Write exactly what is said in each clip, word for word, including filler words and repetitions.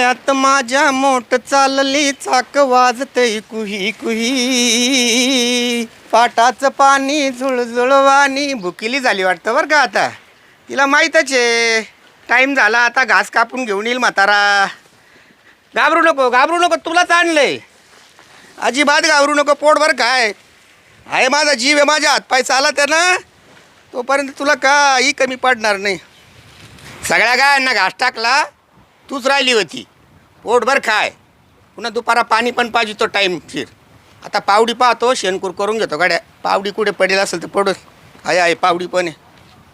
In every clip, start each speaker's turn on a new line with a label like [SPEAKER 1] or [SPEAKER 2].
[SPEAKER 1] मळ्यात माझ्या मोठ चालली चाक वाजतय कुही कुही, पाटाचं पाणी झुळझुळवानी. भुकिली झाली वाटतं बरं का आता. तिला माहीतच आहे टाईम झाला, आता घास कापून घेऊन येईल म्हातारा. घाबरू नको घाबरू नको, तुलाच आणलंय. अजिबात घाबरू नको, पोटभर काय आहे. माझा जीव आहे, माझ्या हातपाय चालत आहे ना, तोपर्यंत तुला काही कमी पडणार नाही. सगळ्या गायांना घास टाकला, तूच राहिली होती. पोटभर खाय, पुन्हा दुपारा पाणी पण पाहिजे तो टाईम फिर. आता पावडी पाहतो, शेणकूर करून घेतो गाड्या. पावडी कुठे पडेल असेल तर पडू. आहे आहे पावडी पण आहे.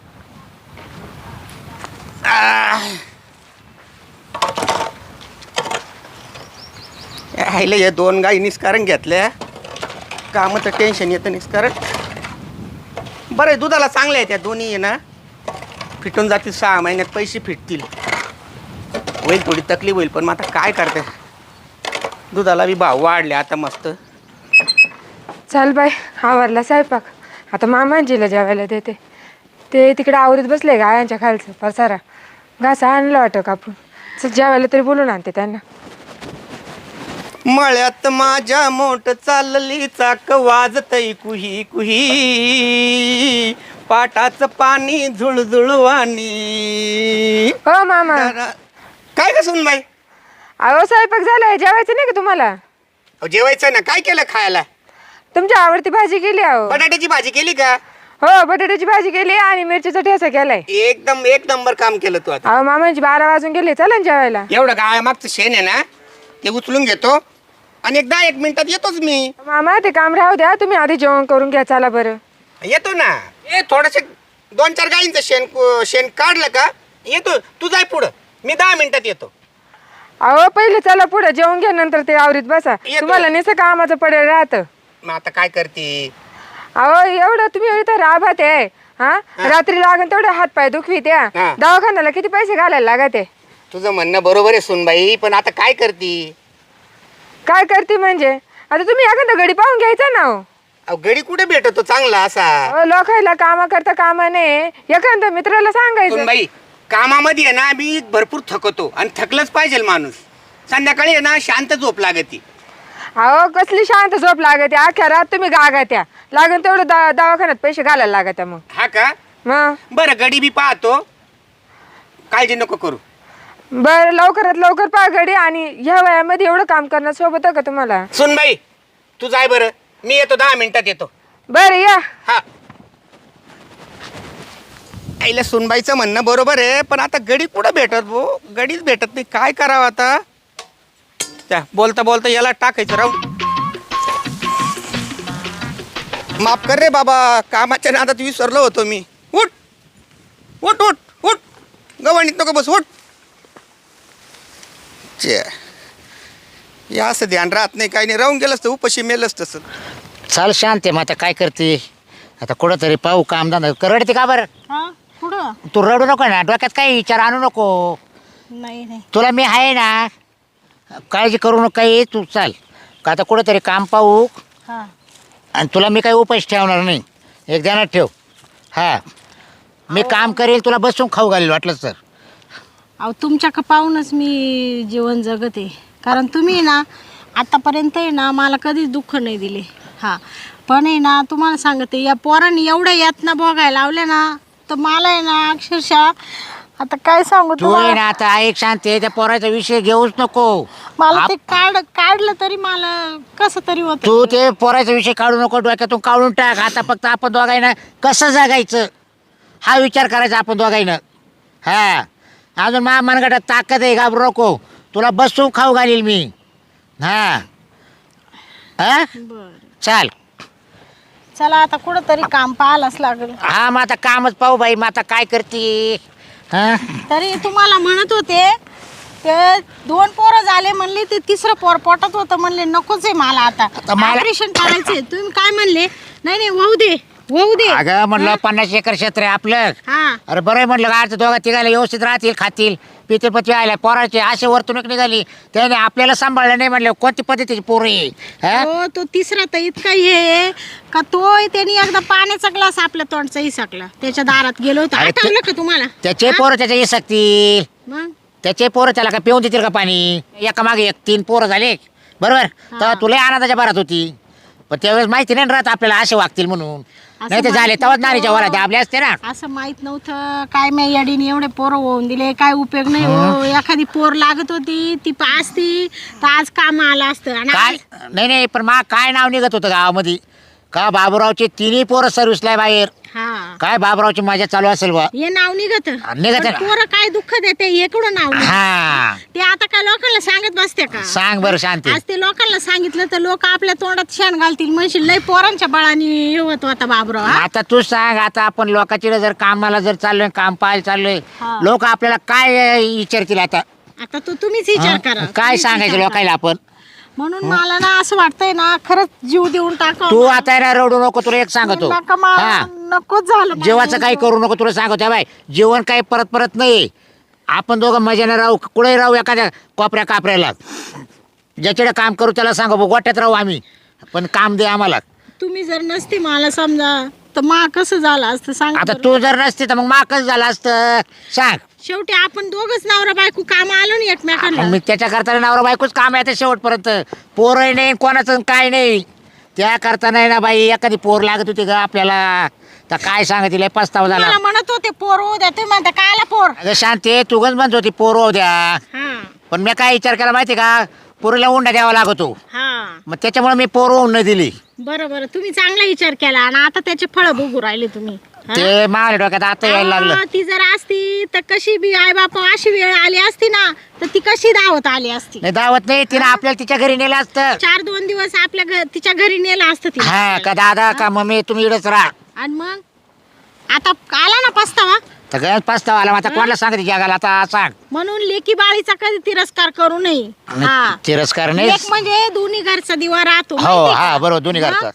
[SPEAKER 1] राहिलं हे दोन गाई निस्कारण घेतल्या, कामाचं टेन्शन येतं निस्कारण. बरं आहे, दुधाला चांगल्या आहे त्या दोन्ही आहे ना, फिटून जातील. सहा महिन्यात पैसे फिटतील. होईल थोडी तकलीफ होईल, पण मग आता काय करते, दुधाला बी भाव वाढले आता मस्त.
[SPEAKER 2] चल बाय, आवरला स्वयंपाक. आता मामांजीला जेवायला देते. ते तिकडे आवरीत बसले गायांच्या खालचं पसारा. घास आणलं वाटतं कापून. चल जेवायला तरी बोलून आणते त्यांना.
[SPEAKER 1] मळ्यात माझ्या मोठ चालली चाक वाजतय कुही कुही, पाटाचं पाणी झुळझुळवानी.
[SPEAKER 2] हो मामा.
[SPEAKER 1] काय का सुन बाई?
[SPEAKER 2] अहो स्वयंपाक झालाय, जेवायचं नाही का तुम्हाला?
[SPEAKER 1] जेवायचं ना. काय केलं खायला?
[SPEAKER 2] तुमची आवडती भाजी केली. अहो
[SPEAKER 1] बटाट्याची भाजी केली का?
[SPEAKER 2] हो, बटाट्याची भाजी केली आणि मिरचीचा ठेचा केलाय.
[SPEAKER 1] एकदम एक नंबर काम केलं तू. आता
[SPEAKER 2] अहो मामांची बारा वाजून गेले, चला ना जेवायला.
[SPEAKER 1] एवढं गाय मागचं शेण आहे ना, ते उचलून घेतो आणि एकदा एक मिनिटात येतोच मी.
[SPEAKER 2] मामा ते काम राहू द्या, तुम्ही आधी जेवण करून घ्या. चला बरं.
[SPEAKER 1] येतो ना. ए थोडंसं दोन चार गाईंचं शेण शेण काढलं का येतो. तू जाय पुढं, मी दहा मिनिटात येतो.
[SPEAKER 2] अहो पहिले चला पुढे जेवण घ्या, नंतर ते आवरीत बसा.
[SPEAKER 1] येतो.
[SPEAKER 2] तुम्हाला निसं कामाचं पडेल राहतं.
[SPEAKER 1] मग आता काय करते?
[SPEAKER 2] अहो एवढं तुम्ही इथं राभात आहे. हा रात्री लागून तेवढे हात पाय दुखवी त्या
[SPEAKER 1] हा.
[SPEAKER 2] दवाखान्याला किती पैसे घालायला लागत आहे.
[SPEAKER 1] तुझं म्हणणं बरोबर आहे सुनबाई, पण आता काय करते?
[SPEAKER 2] काय करते म्हणजे? आता तुम्ही एखादा गडी पाहून घ्यायचा ना. हो
[SPEAKER 1] अहो गडी कुठे भेटतो चांगला असा?
[SPEAKER 2] अहो, लोकायला कामा करता कामा नाही, एखाद्या मित्राला सांगायचं.
[SPEAKER 1] सुनबाई कामामध्ये आहे ना, मी भरपूर थकतो आणि थकलंच पाहिजे माणूस. संध्याकाळी आहे ना शांत झोप लागती.
[SPEAKER 2] अहो कसली शांत झोप लागते, अख्ख्या रात तुम्ही गागात्या लागून तेवढं दा दवाखान्यात पैसे घालायला लागत्या. मग
[SPEAKER 1] हा का?
[SPEAKER 2] मग
[SPEAKER 1] बरं गडी बी पाहतो, काळजी नको करू.
[SPEAKER 2] बरं लवकरात लवकर पहा गडी. आणि ह्या वयामध्ये एवढं काम करणं सोबत का तुम्हाला?
[SPEAKER 1] सुनबाई तू जाय बरं, मी येतो दहा मिनिटात येतो.
[SPEAKER 2] बरं या.
[SPEAKER 1] हा आईला सुनबाईचं म्हणणं बरोबर आहे, पण आता गडी कुठं भेटत भो? गडीच भेटत नाही. काय करावं आता? त्या बोलता बोलता याला टाकायचं राहू. माफ कर रे बाबा, कामाच्या नादात विसरलो होतो मी. उठ उठ उठ उठ, गव्हाणीत नको बस, उठ. चे या असं ध्यान राहत नाही, काही नाही. राहून गेलंच तर उपाशी मेलंच तसं.
[SPEAKER 3] चाल शांत आहे. मग आता काय करते? आता कुठं तरी पाहू कामधंदा. रडते का बरं?
[SPEAKER 4] हा कुठं?
[SPEAKER 3] तू रडू नको ना, डोक्यात काही विचार आणू नको.
[SPEAKER 4] नाही नाही
[SPEAKER 3] तुला मी आहे ना, काळजी करू नको काही. तू चाल का आता कुठं तरी काम पाहू.
[SPEAKER 4] हा
[SPEAKER 3] आणि तुला मी काही उपास ठेवणार नाही, एक ध्यानात ठेव. हा मी काम करेल, तुला बसून खाऊ घालेल वाटलं तर.
[SPEAKER 4] अहो तुमच्या का पाहूनच मी जीवन जगते. कारण तुम्ही ना आतापर्यंत आहे ना मला कधीच दुःख नाही दिले. हा पण आहे ना तुम्हाला सांगते, या पोरांनी एवढ्या यातना बघायला लावल्या ना, तर मला आहे ना अक्षरशः आता काय सांगू
[SPEAKER 3] तू आहे ना
[SPEAKER 4] तुम्हाला.
[SPEAKER 3] आता एक शांत आहे, त्या पोराचा विषय घेऊच नको.
[SPEAKER 4] मला ते काढ काढलं तरी मला कसं तरी होत.
[SPEAKER 3] तू ते पोराचा विषय काढू नको, डोक्यातून काढून टाक. आता फक्त आपण दोघांना कसं जगायचं हा विचार करायचा आपण दोघांना. हा अजून मा मनगटात ताकद आहे, घाबरू नको. तुला बसून खाऊ घालील मी. हा हा
[SPEAKER 4] बरं
[SPEAKER 3] चाल.
[SPEAKER 4] चला आता कुठं तरी काम पाहायलाच लागेल.
[SPEAKER 3] हा मग आता कामच पाहू बाई. मग आता काय करते? हा
[SPEAKER 4] तरी तुम्हाला म्हणत होते, ते दोन पोरं झाले म्हणले, ते तिसरं पोर पोटात होतं म्हणले नकोच आहे मला. आता
[SPEAKER 3] आता मला-
[SPEAKER 4] ऑपरेशन करायचंय. तुम्ही काय म्हणले? नाही नाही वाहू दे वाहू दे.
[SPEAKER 3] अगं म्हणलं पन्नास एकर क्षेत्र आहे आपलं.
[SPEAKER 4] हा
[SPEAKER 3] अरे बरं आहे म्हणलं, गाडचं दोघा तिघायला व्यवस्थित राहतील, खातील पितील. पती आल्या पोराचे असे वर्तणूक निघाली, त्याने आपल्याला सांभाळलं नाही म्हणलं. कोणती पद्धतीची पोरं आहे? हा
[SPEAKER 4] हो तो तिसरा तर इतका हे आहे का तो त्यांनी एकदा पाण्याचा ग्लास आपल्या तोंडचा हिसकला. त्याच्या दारात गेलो होतो,
[SPEAKER 3] अरे ते-
[SPEAKER 4] आठवलं का तुम्हाला?
[SPEAKER 3] त्याचे पोरं त्याच्या येऊ शकतील.
[SPEAKER 4] मग
[SPEAKER 3] त्याचे पोरं त्याला काय पिऊन देतील का पाणी? एका मागे एक तीन पोरं झाले बरोबर, तेव्हा तुला आनंदाच्या भरात होती. पण त्यावेळेस माहिती नाही राहत आपल्याला असे वागतील म्हणून, नाही तर झाले तेव्हाच नारीच्या वरात दाबले असते ना.
[SPEAKER 4] असं माहित नव्हतं काय मी याडीने एवढे पोरं होऊन दिले, काय उपयोग नाही हो. एखादी पोर लागत होती ती असती तर आज काम आलं असतं. आणि
[SPEAKER 3] काय
[SPEAKER 4] आज-
[SPEAKER 3] नाही नाही पण मा काय नाव निघत होतं गावामध्ये का बाबूरावचे तिन्ही पोरं सर्व्हिसला बाहेर.
[SPEAKER 4] हा
[SPEAKER 3] काय बाबूरावची मजा चालू असेल बा.
[SPEAKER 4] हे नाव निघत
[SPEAKER 3] निघत ना.
[SPEAKER 4] पोरं काय दुःख देते हे कुठं नाव निघतं?
[SPEAKER 3] हा
[SPEAKER 4] ते आता काय लोकांना सांगत बसते का?
[SPEAKER 3] सांग बरं शांती.
[SPEAKER 4] आज ते लोकांना सांगितलं तर लोक आपल्या तोंडात शेण घालतील, म्हणशील लय पोरांच्या बळाने येवत होता बाबराव. हा?
[SPEAKER 3] आता तू सांग, आता आपण लोकांची जर कामाला जर चाललोय काम पाहायला चाललोय,
[SPEAKER 4] हा.
[SPEAKER 3] लोक आपल्याला काय विचारतील आता?
[SPEAKER 4] आता तो तुम्हीच विचार करा.
[SPEAKER 3] काय
[SPEAKER 4] तुम्हीच
[SPEAKER 3] सांगायचं
[SPEAKER 4] विचार
[SPEAKER 3] लोकांना आपण?
[SPEAKER 4] करा. म्हणून मला ना असं वाटतंय ना खरंच जीव देऊन टाका.
[SPEAKER 3] तू आता आहे ना रडू नको, तुला एक सांगतो.
[SPEAKER 4] नका मला,
[SPEAKER 3] हा
[SPEAKER 4] नकोच झालं मला.
[SPEAKER 3] जेवाचं काही करू नको, तुला सांगतो बाय. जेवण काही परत परत नाही. आपण दोघं मजाने राहू, कुठेही राहू, एखाद्या कोपऱ्या कापऱ्याला. ज्याच्याकडे काम करू त्याला सांगू भाऊ, गोट्यात राहू आम्ही, पण काम दे आम्हाला.
[SPEAKER 4] तुम्ही जर नसते मला समजा तर मा कसं झालं असतं सांग
[SPEAKER 3] आता
[SPEAKER 4] बरं.
[SPEAKER 3] तू जर नसते तर मग माकच झालं असतं. सांग.
[SPEAKER 4] शेवटी आपण दोघच नवरा बायको काम आलो ना एकमेकांना.
[SPEAKER 3] मी त्याच्या करता नवरा बायकोच काम आहे शेवटपर्यंत. पोरही नाही कोणाचं काय नाही. त्या करता नाही ना बाई, एखादी पोर लागत होती ग आपल्याला तर काय सांगा तिला पस्तावा झाला.
[SPEAKER 4] मला म्हणत होते पोर होऊ द्या, तुम्ही म्हणता कायला पोर.
[SPEAKER 3] अगं शांती तूगच म्हणत होती पोर होऊ द्या,
[SPEAKER 4] हा
[SPEAKER 3] पण मी काय विचार केला माहिती का, पोरीला उंडा द्यावा लागतो.
[SPEAKER 4] हा
[SPEAKER 3] मग त्याच्यामुळे मी पोर होऊन नाही दिली.
[SPEAKER 4] बरं बरं तुम्ही चांगला विचार केला आणि आता त्याचे फळ बघू राहिले तुम्ही. हा?
[SPEAKER 3] ते माझ्या डोक्यात आता यायला लागलं.
[SPEAKER 4] हा, ती जर असती तर कशी बी आई बापा अशी वेळ आली असती ना तर ती कशी दावत आली असती.
[SPEAKER 3] नाही दावत नाही, तिने आपल्याला तिच्या घरी नेलं असतं.
[SPEAKER 4] चार दोन दिवस आपल्या घ- तिच्या घरी नेलं असतं ती.
[SPEAKER 3] हा का दादा का मम्मी तुम्ही इकडेच राहा.
[SPEAKER 4] आणि मग आता आला ना पस्तावा.
[SPEAKER 3] तर गळ्यात पस्तावा आला. आता कोणाला सांगते जगाला आता सांग.
[SPEAKER 4] म्हणून लेकी बाळीचा कधी तिरस्कार करू नये. हा
[SPEAKER 3] तिरस्कार नाही.
[SPEAKER 4] लेक म्हणजे दोन्ही घरचा दिवा राहतो
[SPEAKER 3] हो
[SPEAKER 4] माहितीये
[SPEAKER 3] हा
[SPEAKER 4] का?
[SPEAKER 3] बरोबर दोन्ही
[SPEAKER 4] हा?
[SPEAKER 3] घरचा.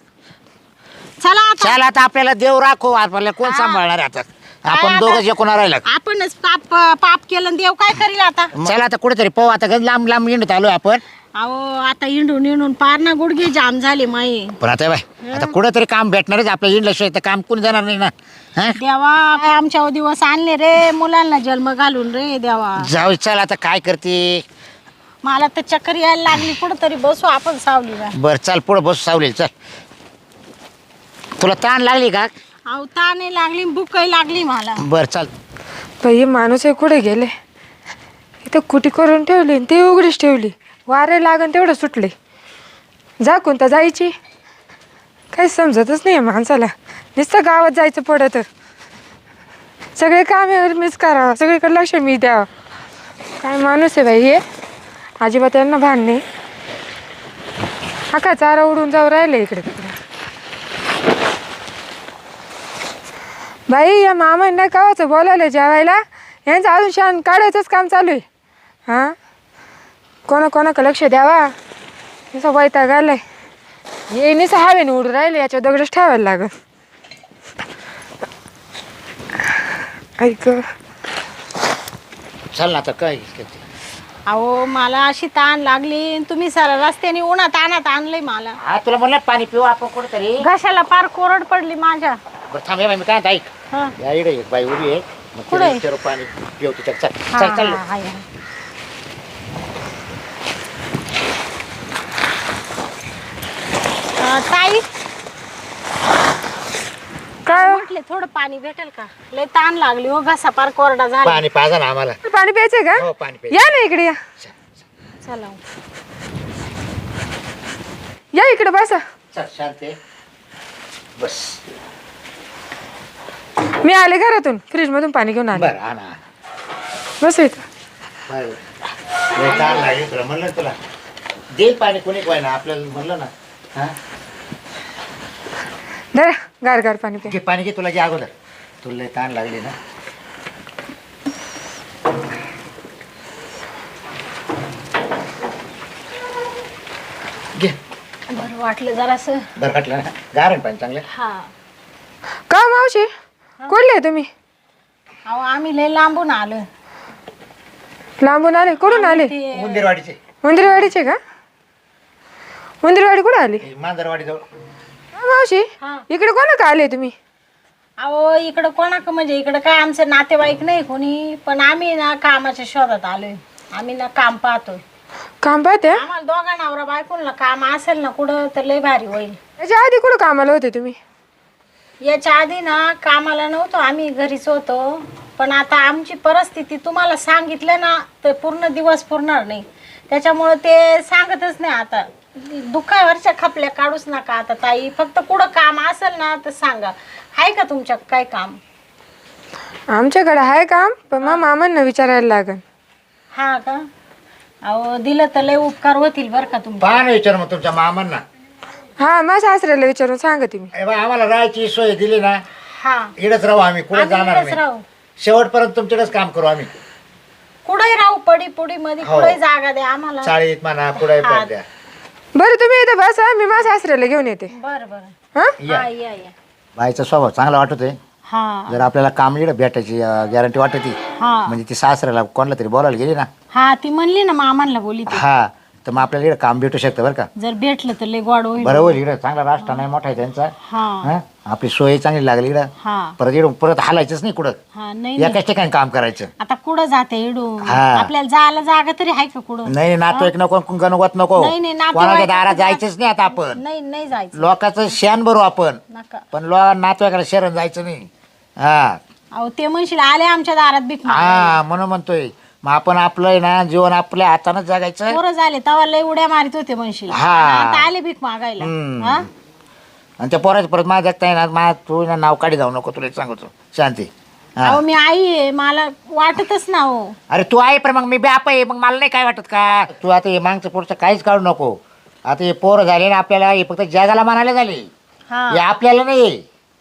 [SPEAKER 4] चला आता
[SPEAKER 3] चल आता आपल्याला देव राखो, आपल्याला कोण
[SPEAKER 4] हा.
[SPEAKER 3] सांभाळणार आहे आता?
[SPEAKER 4] काय
[SPEAKER 3] आपण
[SPEAKER 4] आता?
[SPEAKER 3] दोघं जे कोणा राहिला.
[SPEAKER 4] आपणच पाप पाप केलं आणि देव काय करील आता.
[SPEAKER 3] चला आता कुठेतरी पाहू. आता गंज लांब लांब येणत आलोय आपण.
[SPEAKER 4] अहो आता इंडून इंडून पार ना गुडघे जाम झाले माये.
[SPEAKER 3] पण आता बाय आता कुठेतरी काम भेटणारच आपल्या इंडस्ट्री, तर काम कोणी देणार नाही ना. हा
[SPEAKER 4] देवा काय आमच्या दिवस आणले रे, मुलांना जन्म घालून रे देवा.
[SPEAKER 3] जाऊ चल आता काय करते.
[SPEAKER 4] मला तर चक्कर यायला लागली, कुठंतरी बसू आपण सावलीला.
[SPEAKER 3] बर चल पुढे बस सावलेल चल. तुला ताण लागली का?
[SPEAKER 4] अहो ताने लागली भूकही लागली मला.
[SPEAKER 3] बर चल.
[SPEAKER 2] बाई माणूस आहे कुठे गेले, इथं कुटी करून ठेवली आणि ती उघडीच ठेवली. वारे लागन तेवढं सुटले, जा कोणता जायची काही समजतच नाही माणसाला. नुसतं गावात जायचं पडतं, सगळे कामे मीच करावं, सगळीकडे लक्ष मी द्यावं. काय माणूस आहे बाई हे, अजिबात यांना भान नाही. हा का चारा उडून जाऊ राहिले इकडे तिकडे. बाई या मामांना कावाचं बोलावलं जेवायला, यांचं अजून शान काढायचंच काम चालू आहे. हां कोणा कोणाकडे लक्ष द्यावा, असं वैताग आलाय. ये निसं हवेने उडून राहिले, याच्या दगडच ठेवायला लागल. ऐक
[SPEAKER 3] चल ना आता काय करते.
[SPEAKER 4] अहो मला अशी ताण लागली, तुम्ही सारा रस्त्याने उन्हात आणत आणलंय मला.
[SPEAKER 3] हा तुला म्हणलं पाणी पिऊ आपण कुठेतरी.
[SPEAKER 4] घशाला पार कोरड पडली माझ्या.
[SPEAKER 3] बरं थांब हे बाई, मी काय म्हणतो, ऐक.
[SPEAKER 4] हा.
[SPEAKER 3] या इकडे एक बाई उभी आहे, मग
[SPEAKER 4] कुठे?
[SPEAKER 3] तिला विचारू पाणी पिऊ तिच्या. चल
[SPEAKER 4] हा,
[SPEAKER 3] चल चल.
[SPEAKER 4] हा, हा. अं, ताई
[SPEAKER 2] काय हो?
[SPEAKER 4] म्हटले थोडं पाणी भेटेल का? लय ताण लागली हो, घसा पार कोरडा झाला.
[SPEAKER 3] पाणी पाजा ना आम्हाला.
[SPEAKER 2] पाणी प्यायचंय
[SPEAKER 3] हो
[SPEAKER 2] का?
[SPEAKER 3] पाणी प्यायचं.
[SPEAKER 2] या ना इकडे या,
[SPEAKER 4] चला
[SPEAKER 2] या इकडे बसा.
[SPEAKER 3] चल शांत आहे. बस
[SPEAKER 2] मी आले घरातून, फ्रीज मधून पाणी घेऊन आले.
[SPEAKER 3] बरं हा ना.
[SPEAKER 2] बस इथं.
[SPEAKER 3] बरं. लय ताण लागली तुला, म्हणलं ना तुला देईल पाणी कोणी काय ना आपल्याला, म्हणलं ना. हा
[SPEAKER 2] धरा गार गार पाणी प्या.
[SPEAKER 3] घे पाणी घे, तुला घे अगोदर. तुला लय ताण लागली ना. घे.
[SPEAKER 4] बरं वाटलं जरासं.
[SPEAKER 3] बरं वाटलं ना, गारण पाणी चांगलं.
[SPEAKER 4] हा
[SPEAKER 2] का मावशी कुठले तुम्ही?
[SPEAKER 4] अहो आम्ही लय लांबून आलो.
[SPEAKER 2] लांबून आले? कुठून आले?
[SPEAKER 4] ते
[SPEAKER 3] मुंदिरवाडीचे.
[SPEAKER 2] उंदरवाडीचे का? उंदरवाडी कुठे आली?
[SPEAKER 3] मांजरवाडी जवळ.
[SPEAKER 2] हा, मावशी
[SPEAKER 4] हा.
[SPEAKER 2] इकडे कोणा का आले तुम्ही?
[SPEAKER 4] अहो इकडं कोणाक म्हणजे इकडं काय आमचं नातेवाईक नाही कोणी, पण आम्ही ना कामाच्या शोधात आलोय. आम्ही ना काम पाहतोय.
[SPEAKER 2] काम पाहते
[SPEAKER 4] आम्हाला दोघा नवरा बायकोला काम असेल ना कुठं तर लय भारी होईल.
[SPEAKER 2] याच्या आधी कुठं कामाला होते तुम्ही?
[SPEAKER 4] याच्या आधी ना कामाला नव्हतो, आम्ही घरीच होतो. पण आता आमची परिस्थिती तुम्हाला सांगितलं ना तर पूर्ण दिवस पुरणार नाही, त्याच्यामुळं ते सांगतच नाही. आता दुःखावरच्या खपल्या काढूच नका आता ताई. फक्त कुठं काम असेल ना तर सांगा. आहे का तुमच्या काय काम?
[SPEAKER 2] आमच्याकडे आहे काम, पण मग मामांना विचारायला लागेल.
[SPEAKER 4] हा का? अहो दिलं तर लय उपकार होतील बरं का तुमचे.
[SPEAKER 3] पहा ना विचार मग तुमच्या मामांना.
[SPEAKER 2] हा माझ्या सासऱ्याला विचारून सांगते मी.
[SPEAKER 3] ए बा, आम्हाला राहायची सोय दिली ना,
[SPEAKER 4] हा
[SPEAKER 3] इकडेच राहू आम्ही, कुठे
[SPEAKER 4] आम्ही
[SPEAKER 3] जाणार
[SPEAKER 4] इकडेच
[SPEAKER 3] नाही.
[SPEAKER 4] राहू.
[SPEAKER 3] शेवटपर्यंत तुमच्याकडेच काम करू आम्ही.
[SPEAKER 4] कुठे राहू, पडी पुडी मध्ये
[SPEAKER 3] हो.
[SPEAKER 4] कुठे जागा द्या आम्हाला.
[SPEAKER 3] चाळीत म्हणा कुठे
[SPEAKER 4] हा.
[SPEAKER 3] पण द्या.
[SPEAKER 2] बरं तुम्ही इथं बसा, मी माझ्या सासऱ्याला घेऊन येते.
[SPEAKER 4] बरं बरं.
[SPEAKER 2] हा
[SPEAKER 3] या.
[SPEAKER 4] हा या या.
[SPEAKER 3] बाईचा स्वभाव चांगला वाटतोय.
[SPEAKER 4] हा
[SPEAKER 3] जर आपल्याला काम इकडे भेटायची गॅरंटी वाटते,
[SPEAKER 4] हा
[SPEAKER 3] म्हणजे ती सासऱ्याला कोणाला तरी बोलायला गेली ना,
[SPEAKER 4] हा ती म्हणली ना मामांना बोली ते.
[SPEAKER 3] हा, तर मग आपल्याला इकडे काम भेटू शकतं बरं का.
[SPEAKER 4] जर भेटलं तर लय गोड होईल.
[SPEAKER 3] बरोबर, इकडे चांगला राष्ट्र नाही मोठा आहे त्यांचा.
[SPEAKER 4] हा
[SPEAKER 3] हा, आपली सोय चांगली लागली इकडं.
[SPEAKER 4] हा
[SPEAKER 3] परत इकडून परत हालायचंच नाही कुठं,
[SPEAKER 4] हा नाही नाही.
[SPEAKER 3] एकाच ठिकाणी काम करायचं.
[SPEAKER 4] आता कुठं जाते इडून?
[SPEAKER 3] हा.
[SPEAKER 4] आपल्याला जायला जागा तरी आहे का कुठं?
[SPEAKER 3] नाही, नातेवाईक नको, गणवत नको,
[SPEAKER 4] नाही, नाही, नातेवाईक
[SPEAKER 3] कोणाच्या दारात
[SPEAKER 4] नको.
[SPEAKER 3] जायचंच नाही आता आपण.
[SPEAKER 4] नाही नाही जायचं.
[SPEAKER 3] लोकांचं शेण भरू आपण,
[SPEAKER 4] नका.
[SPEAKER 3] पण लो नातेवाईकाला शरण जायचं नाही. हा
[SPEAKER 4] अहो ते म्हणशील आले आमच्या दारात भीक मागायला.
[SPEAKER 3] हा, म्हणून म्हणतोय मग आपण आपलं आहे ना जीवन आपल्या हातानंच जगायचं.
[SPEAKER 4] पोरं झाले तेव्हा लय उड्या मारित होते म्हणशील.
[SPEAKER 3] हा.
[SPEAKER 4] आणि आता आले भीक मागायला.
[SPEAKER 3] हम्म.
[SPEAKER 4] हा?
[SPEAKER 3] आणि त्या पोराचं परत माझ्या जगता येणार, माझ्या तू ना नाव काढी जाऊ नको, तुला एक सांगतो शांती. हा.
[SPEAKER 4] अहो मी आई आहे, मला वाटतच ना हो.
[SPEAKER 3] अरे तू आहे पण मग मी बाप आहे, मग मला नाही काय वाटत का? तू आता हे मागचं पुढचं काहीच काढू नको. आता हे पोरं झाले ना आपल्याला, हे फक्त जगाला म्हणायला झाले,
[SPEAKER 4] हा
[SPEAKER 3] हे आपल्याला नाही.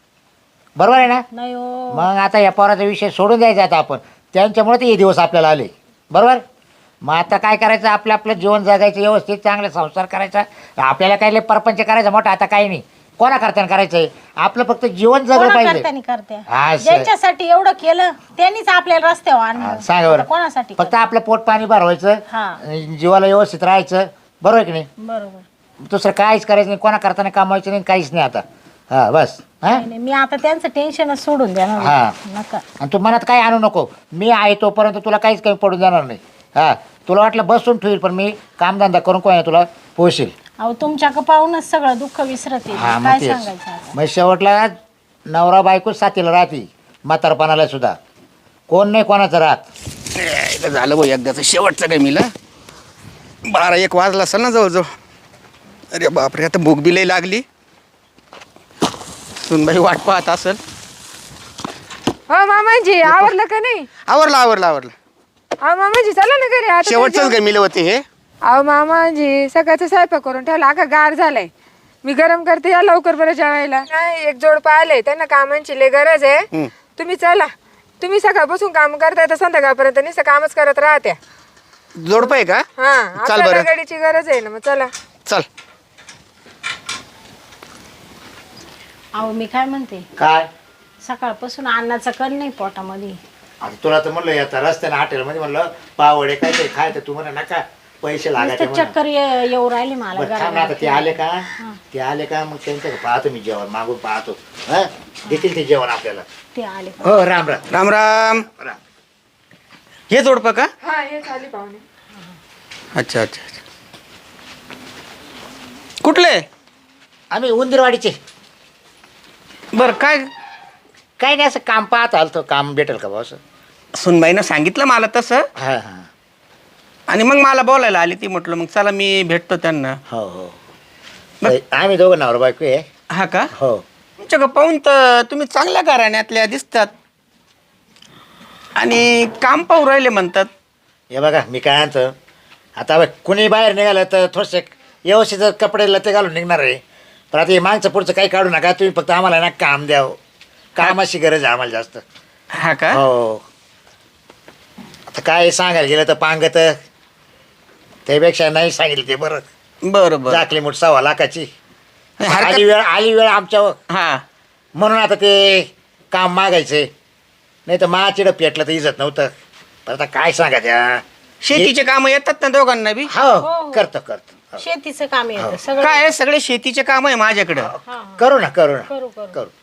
[SPEAKER 3] बरोबर आहे ना?
[SPEAKER 4] नाही हो.
[SPEAKER 3] मग आता या पोराचा विषय सोडून द्यायचा आता आपण, त्यांच्यामुळे ते हे दिवस आपल्याला आले. बरोबर, मग आता काय करायचं, आपलं आपलं जीवन जगायचं, व्यवस्थित चांगले संसार करायचा. आपल्याला काही लय परपंच करायचा मोठा आता काही नाही, कोणा करताना करायचंय, आपलं फक्त जीवन जगलं
[SPEAKER 4] कोणा
[SPEAKER 3] पाहिजे.
[SPEAKER 4] करतानी करते
[SPEAKER 3] हा, सर.
[SPEAKER 4] ज्यांच्यासाठी एवढं केलं त्यांनीच आपल्याला रस्त्यावर
[SPEAKER 3] हा,
[SPEAKER 4] आणलं.
[SPEAKER 3] सांगा बरं.
[SPEAKER 4] आता कोणासाठी
[SPEAKER 3] फक्त आपलं पोट पाणी भरवायचं,
[SPEAKER 4] हा.
[SPEAKER 3] जीवाला व्यवस्थित राहायचं. बरोबर आहे की नाही?
[SPEAKER 4] बरोबर.
[SPEAKER 3] दुसरं काहीच करायचं नाही, कोणा करताना कमवायचं नाही, काहीच नाही आता. हा बस. हा,
[SPEAKER 4] नाही, नाही, मी आता त्यांचं टेन्शनच सोडून देणार.
[SPEAKER 3] हा.
[SPEAKER 4] नका.
[SPEAKER 3] आणि तू मनात काही आणू नको, मी आहे तोपर्यंत तुला काहीच कमी पडून जाणार नाही. हा, तुला वाटलं बसून ठेवील, पण मी कामधंदा करून कोणा तुला पोहोचेल.
[SPEAKER 4] अहो तुमच्या पाहूनच सगळं दुःख विसरते.
[SPEAKER 3] हा, मग
[SPEAKER 4] काय
[SPEAKER 3] तेच.
[SPEAKER 4] सांगायचं आता?
[SPEAKER 3] मग शेवटला नवरा बायको साथीला राहते, म्हातारपणाला सुद्धा कोण नाही कोणाचं राहत.
[SPEAKER 1] ए, झालं भाऊ एकदाचं शेवटचं काय मिला. बारा एक वाजला असेल ना जवळजवळ. अरे बापरे, आता भूक बी लई लागली. सुनबाई वाट पाहत असेल.
[SPEAKER 2] हो मामाजी आवरलं का नाही?
[SPEAKER 1] आवरलं आवरलं आवरलं.
[SPEAKER 2] अहो मामाजी चला ना घरी आता.
[SPEAKER 1] शेवटचंच काय मिलं होते हे.
[SPEAKER 2] अहो मामाजी सकाळचा स्वयंपाक करून ठेवला, अका गार झालाय. मी गरम करते, या लवकर बरं जेवायला. नाही एक जोड पाहिले, त्यांना कामांची लय गरज आहे.
[SPEAKER 1] हम्म.
[SPEAKER 2] तुम्ही चला, तुम्ही सकाळपासून काम करताय तर संध्याकाळपर्यंत नुसतं कामच करत राहत्या.
[SPEAKER 1] जोडपं आहे का?
[SPEAKER 2] हा
[SPEAKER 1] चाल
[SPEAKER 2] आपल्याला
[SPEAKER 1] बरं.
[SPEAKER 2] गाडीची गरज आहे ना, मग चला.
[SPEAKER 1] चल.
[SPEAKER 4] अहो मी काय म्हणते,
[SPEAKER 3] काय
[SPEAKER 4] सकाळपासून अन्नाचा कण नाही पोटामध्ये.
[SPEAKER 3] आता तुला तर म्हणलं आता रस्त्याने हॉटेलमध्ये म्हणलं पावडे काय ते खाय, तर तू म्हणा नका पैसे लागायचे
[SPEAKER 4] नुसतं चक्कर ये- येऊ राहिली मला.
[SPEAKER 3] बरं थांब ना, आता ते आले का, ते आले का मग त्यांचं पाहतो मी जेवण, मागून पाहतो. हा, देतील ते जेवण आपल्याला.
[SPEAKER 4] ते आले.
[SPEAKER 3] हो, राम राम.
[SPEAKER 1] राम राम.
[SPEAKER 3] राम.
[SPEAKER 1] हे जोडपं का?
[SPEAKER 2] हा हे चाली पाहुणे.
[SPEAKER 1] अच्छा अच्छा अच्छा. कुठले?
[SPEAKER 3] आम्ही उंदीरवाडीचे.
[SPEAKER 1] बरं काय?
[SPEAKER 3] काही नाही, असं काम पाहत आलतो, काम भेटेल का भाऊ?
[SPEAKER 1] सुनबाईनं सांगितलं मला तसं,
[SPEAKER 3] हा हा,
[SPEAKER 1] आणि मग मला बोलायला आली ती. म्हटलं मग चला मी भेटतो त्यांना.
[SPEAKER 3] हो हो. आम्ही दोघं नवरा बायको आहे.
[SPEAKER 1] हा का?
[SPEAKER 3] हो.
[SPEAKER 1] तुमच्याकडं पाहून तर तुम्ही चांगल्या घराण्यातल्या दिसतात, आणि काम पाहू राहिले म्हणतात.
[SPEAKER 3] हे बघा मी काय आणतो आता, बघ कुणी बाहेर निघालं तर थोडेसे व्यवस्थित कपडे लते घालून निघणार आहे. पण आता हे मागचं पुढचं काही काढू नका तुम्ही, फक्त आम्हाला ना काम द्यावं, कामाची गरज आहे आम्हाला जास्त.
[SPEAKER 1] हा का?
[SPEAKER 3] हो. आता काय सांगायला गेलं तर पांगत, त्यापेक्षा नाही सांगितलं ते बरं.
[SPEAKER 1] बरं बरं.
[SPEAKER 3] जाकली मुठ सव्वा लाखाची.
[SPEAKER 1] हरकत-
[SPEAKER 3] आली वेळ आली वेळ आमच्यावर,
[SPEAKER 1] हा.
[SPEAKER 3] म्हणून आता ते काम मागायचे. नाही तर माचिडं पेटलं तर इजत नव्हतं. पण आता काय सांगा त्या
[SPEAKER 1] शेतीचे काम येतात ना दोघांना बी?
[SPEAKER 3] हो, करतो करतो.
[SPEAKER 4] शेतीचं काम येतं सगळं.
[SPEAKER 1] काय सगळे शेतीचे काम आहे माझ्याकडं.
[SPEAKER 4] हा, हा.
[SPEAKER 3] करू ना करू ना
[SPEAKER 4] करू करू.
[SPEAKER 3] करू.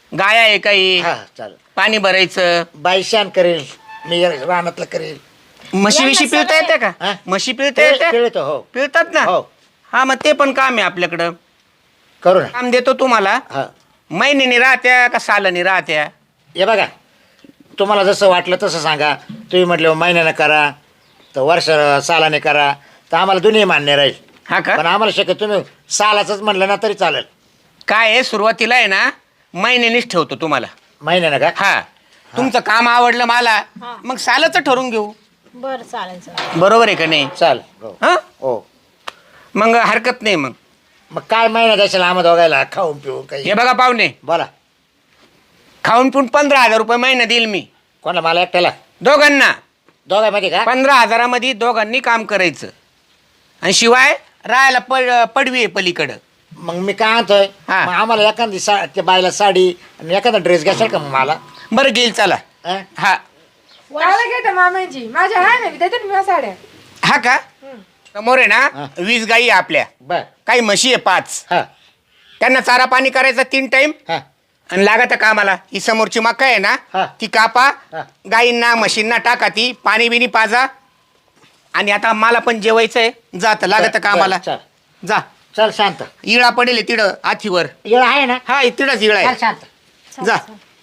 [SPEAKER 1] गाया आहे काही
[SPEAKER 3] हा चालेल.
[SPEAKER 1] पाणी भरायचं
[SPEAKER 3] बाई शान करेल, मी रानातलं करेल.
[SPEAKER 1] म्हशी विशी पिळता येते का
[SPEAKER 3] हा?
[SPEAKER 1] म्हशी पिळता येते
[SPEAKER 3] पिळतो हो.
[SPEAKER 1] पिळतात ना
[SPEAKER 3] हो.
[SPEAKER 1] हा मग ते पण काम आहे आपल्याकडं.
[SPEAKER 3] करू ना.
[SPEAKER 1] काम देतो तुम्हाला.
[SPEAKER 3] हा
[SPEAKER 1] महिन्यानी राहत्या का सालानी राहत्या?
[SPEAKER 3] हे बघा, तुम्हाला जसं वाटलं तसं सांगा. तुम्ही म्हटलं महिन्यानं करा तर वर्ष सालाने करा तर आम्हाला दोन्ही मान्य राहील.
[SPEAKER 1] हा का?
[SPEAKER 3] पण आम्हाला शक्य तुम्ही सालाचंच म्हटलं ना तरी चालेल.
[SPEAKER 1] काय आहे सुरुवातीला आहे ना महिन्यानीच ठेवतो तुम्हाला.
[SPEAKER 3] महिन्यानं का?
[SPEAKER 1] हा तुमचं काम आवडलं मला
[SPEAKER 4] हा.
[SPEAKER 1] मग सालाचं ठरवून घेऊ.
[SPEAKER 4] बरं चालेल चालेल.
[SPEAKER 1] बरोबर आहे का नाही?
[SPEAKER 3] चाल हो.
[SPEAKER 1] हा
[SPEAKER 3] हो
[SPEAKER 1] मग हरकत नाही. मग
[SPEAKER 3] मग काय महिना द्यायला आम्हा दोघायला खाऊन पिऊन काही?
[SPEAKER 1] हे बघा पाहुणे,
[SPEAKER 3] बोला.
[SPEAKER 1] खाऊन पिऊन पंधरा हजार रुपये महिना देईल मी
[SPEAKER 3] कोणाला? मला एकट्याला?
[SPEAKER 1] दोघांना.
[SPEAKER 3] दोघांमध्ये का?
[SPEAKER 1] पंधरा हजारामध्ये दोघांनी काम करायचं आणि शिवाय राहायला पड पडवी आहे पलीकडं.
[SPEAKER 3] मग मी काय आणतोय,
[SPEAKER 1] हा.
[SPEAKER 3] मग आम्हाला एखादी सा त्या बायला साडी आणि एखादा ड्रेस घ्याल का मग मला?
[SPEAKER 1] बरं घेईल चला.
[SPEAKER 3] अं?
[SPEAKER 1] हा
[SPEAKER 2] काय घेते मामांची? माझ्या आहे ना, देते ना मी साड्या.
[SPEAKER 1] हा का? समोर आहे
[SPEAKER 3] हा.
[SPEAKER 1] ना वीस गाई आहे आपल्या,
[SPEAKER 3] बर.
[SPEAKER 1] काही म्हशी आहे पाच.
[SPEAKER 3] हा
[SPEAKER 1] त्यांना चारा पाणी करायचा तीन टाइम
[SPEAKER 3] हा
[SPEAKER 1] आणि लागत कामाला. ही समोरची मका आहे ना
[SPEAKER 3] हा.
[SPEAKER 1] ती कापा,
[SPEAKER 3] हा.
[SPEAKER 1] गाईंना म्हशींना टाका, ती पाणी बिनी पाजा. आणि आता मला पण जेवायचंय, जात लागत
[SPEAKER 3] बर,
[SPEAKER 1] कामाला.
[SPEAKER 3] बर, चल
[SPEAKER 1] जा.
[SPEAKER 3] चल शांत.
[SPEAKER 1] इळा पडेल तिडं आथीवर.
[SPEAKER 3] येळ आहे ना?
[SPEAKER 1] हा तिडच इळा
[SPEAKER 3] चल
[SPEAKER 1] आहे.
[SPEAKER 3] शांत.
[SPEAKER 1] जा.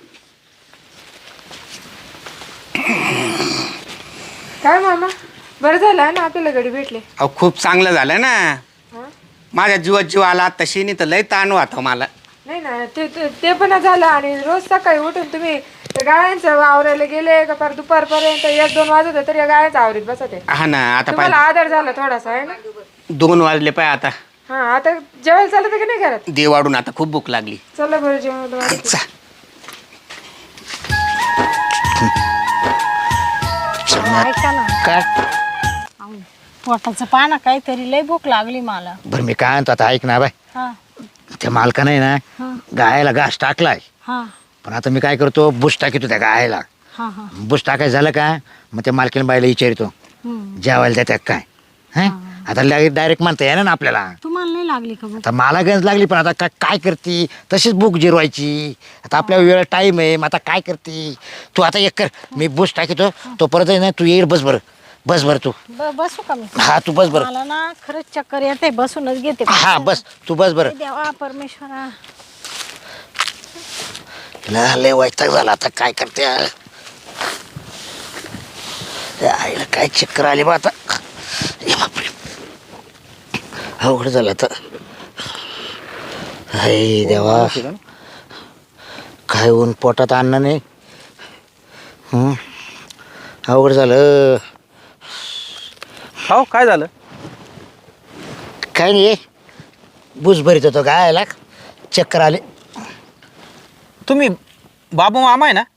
[SPEAKER 2] काय मामा, बरं झालं ना आपल्याला गडी भेटले.
[SPEAKER 1] अहो खूप चांगलं झालं ना.
[SPEAKER 2] हा?
[SPEAKER 1] माझ्या जीवात जीव आला. तशी नाही तर लय ताण होता मला.
[SPEAKER 2] नाही ना, ते ते- ते पण झालं. आणि रोज सकाळी उठून तुम्ही त्या गायांचं आवरायला गेले का फार दुपारपर्यंत एक दोन वाजत होते तरी या गायांचं आवरीत बसते.
[SPEAKER 1] हा ना. आता
[SPEAKER 2] तुम्हाला
[SPEAKER 1] पाय
[SPEAKER 2] आधार झाला थोडासा आहे ना.
[SPEAKER 1] दोन वाजले पाय. आता
[SPEAKER 2] हा आता जेवायला चालत की नाही घरात?
[SPEAKER 1] देव वाढून आता खूप भूक लागली.
[SPEAKER 2] चला बरं जेवण वाढते.
[SPEAKER 1] चा.
[SPEAKER 4] ऐका ना,
[SPEAKER 3] काय?
[SPEAKER 4] अहो, पोटाचं पाना काहीतरी लय भूक लागली मला.
[SPEAKER 3] बरं मी काय आणतो आता, ऐक ना बाय.
[SPEAKER 4] हा
[SPEAKER 3] त्या मालकानं आहे ना
[SPEAKER 4] हा
[SPEAKER 3] गायला घास टाकलाय.
[SPEAKER 4] हा
[SPEAKER 3] पण आता मी काय करतो, बुश टाकीतो त्या गायला.
[SPEAKER 4] हा हा
[SPEAKER 3] बुश टाकायचं झालं का मग त्या मालकीन बाईला विचारतो
[SPEAKER 4] हम्म.
[SPEAKER 3] जेवायला देतात काय. हं? आता डायरेक्ट म्हणता येणार ना आपल्याला.
[SPEAKER 4] तुम्हाला नाही लागली का भूक?
[SPEAKER 3] आता मला गंज लागली पण आता काय काय करते, तशीच बुक जिरवायची. आता आपल्या वेळ टाईम आहे, मग आता काय करते तू. आता एक कर, मी बुश टाकीतो तो परत आहे ना, तू येईल बस बरं. बस बरं तू.
[SPEAKER 4] ब- बसू का मी?
[SPEAKER 3] हा तू बस बरं.
[SPEAKER 4] मला ना खरंच चक्कर येते, बसूनच घेते.
[SPEAKER 3] हा बस तू बस बरं.
[SPEAKER 4] देवा परमेश्वरा.
[SPEAKER 3] ला लय वैताग झाला आता काय करते. त्या आईला काय चक्कर आली बा आता. ए बापरे, अवघड झालं आता. हाय देवा, काय ऊन पोटात अन्न नाही. हं? अवघड झालं.
[SPEAKER 5] हो काय झालं?
[SPEAKER 3] काय नाही, बुस भरीत होतो गायला, चक्कर आले.
[SPEAKER 5] तुम्ही बाबू मामा आहे ना?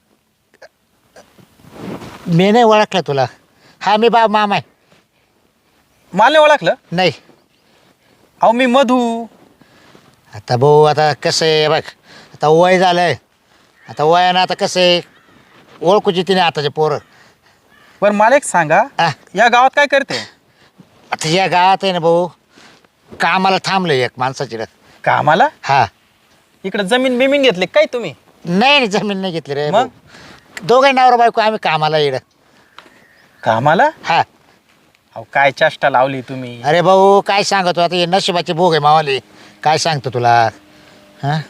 [SPEAKER 3] मी नाही ओळखला तुला. हा मी बाब मामा आहे.
[SPEAKER 5] मला नाही ओळखलं?
[SPEAKER 3] नाही.
[SPEAKER 5] अहो मी मधू.
[SPEAKER 3] आता भाऊ आता कसं आहे बघ, आता वय झालंय. आता वयानं आता कसं आहे, ओळखूची तिने आताचे पोरं.
[SPEAKER 5] बरं मला एक सांगा,
[SPEAKER 3] हा.
[SPEAKER 5] या गावात काय करते?
[SPEAKER 3] आता या गावात आहे ना भाऊ, कामाला थांबलं एक माणसाची.
[SPEAKER 5] कामाला?
[SPEAKER 3] हा.
[SPEAKER 5] इकडे जमीन बिमीन घेतली काय तुम्ही?
[SPEAKER 3] नाही नाही, जमीन नाही घेतली रे.
[SPEAKER 5] मग?
[SPEAKER 3] दोघे नवरा बायको आम्ही कामाला येड.
[SPEAKER 5] कामाला?
[SPEAKER 3] हा.
[SPEAKER 5] अहो काय चेष्टा लावली तुम्ही.
[SPEAKER 3] अरे भाऊ काय सांगतो, आता हे नशिबाचे भोग आहे मावाले. काय सांगतो तुला. हा.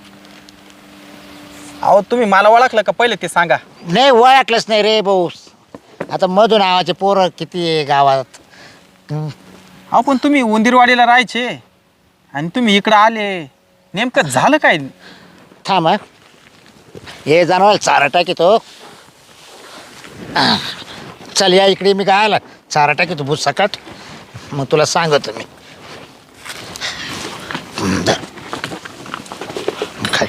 [SPEAKER 5] अहो तुम्ही मला ओळखलं का पहिले ते सांगा.
[SPEAKER 3] नाही ओळखलंच नाही रे भाऊ. आता मधू नावाचे पोरं किती आहे गावात. हं.
[SPEAKER 5] अहो पण तुम्ही उंदीरवाडीला राहायचे आणि तुम्ही इकडं आले, नेमकं झालं काय?
[SPEAKER 3] थांब हा. हे जनावर चारा टाकीतो. चल या इकडे, मी काय आला चारा टाकीतो भूत सकाट. मग तुला सांगतो मी. हं, धर. खाय.